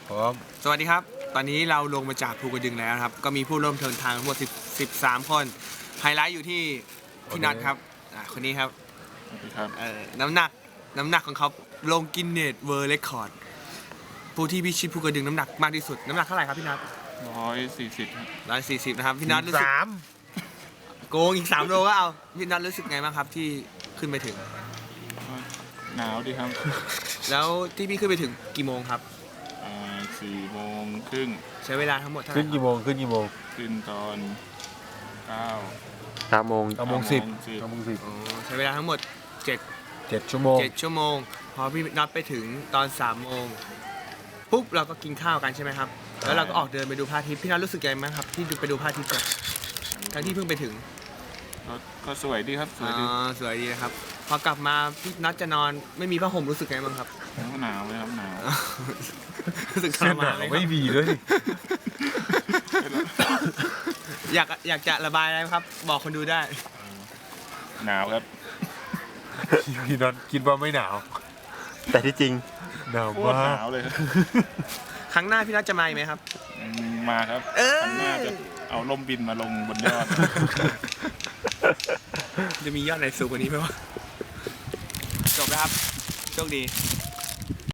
พร้อมสวัสดีครับตอนนี้เราลงมาจากภูกระดึงแล้วครับก็มีผู้ร่วมเดินทางทั้งหมด13 คนไฮไลท์อยู่ที่พี่นัทครับคนนี้ครับน้ำหนักของเขาลงกินเนสเวิลด์เรคคอร์ดผู้ที่พิชิตภูกระดึงน้ำหนักมากที่สุดน้ำหนักเท่าไหร่ครับพี่นัท140นะครับพี่นัทรู้สึกโกงอีก3 โลก็เอาพี่นัทรู้สึกไงบ้างครับที่ขึ้นไปถึงหนาวดีครับแล้วที่พี่ขึ้นไปถึงกี่โมงครับ 4:30 ใช้เวลาทั้งหมดเท่าไหร่ขึ้นกี่โมงขึ้นตอน 9 โมง10 ใช้เวลาทั้งหมด7 ชั่วโมงพอพี่นัดไปถึงตอน3 โมงปุ๊บเราก็กินข้าวกันใช่ไหมครับแล้วเราก็ออกเดินไปดูพระอาทิตย์พี่นัทรู้สึกยังไงบ้างครับที่ไปดูพระอาทิตย์กันทั้งที่เพิ่งไปถึงก็สวยดีครับสวยดีนะครับพอกลับมาพี่นัทจะนอนไม่มีผ้าห่มรู้สึกไงบ้างครับหนาวเลยครับหนาวรู้สึกทรมานเลยไม่มีเลยอยากจะระบายอะไรครับบอกคนดูได้หนาวครับพี่นัทคิดว่าไม่หนาวแต่ที่จริงหนาวมากหนาวเลยครับครั้งหน้าพี่นัทจะมาอีกไหมครับมาครับครั้งหน้าจะเอาล่มบินมาลงบนยอดจะมียอดไหนสูงกว่านี้ไหมวะจบแล้วครับโชคดี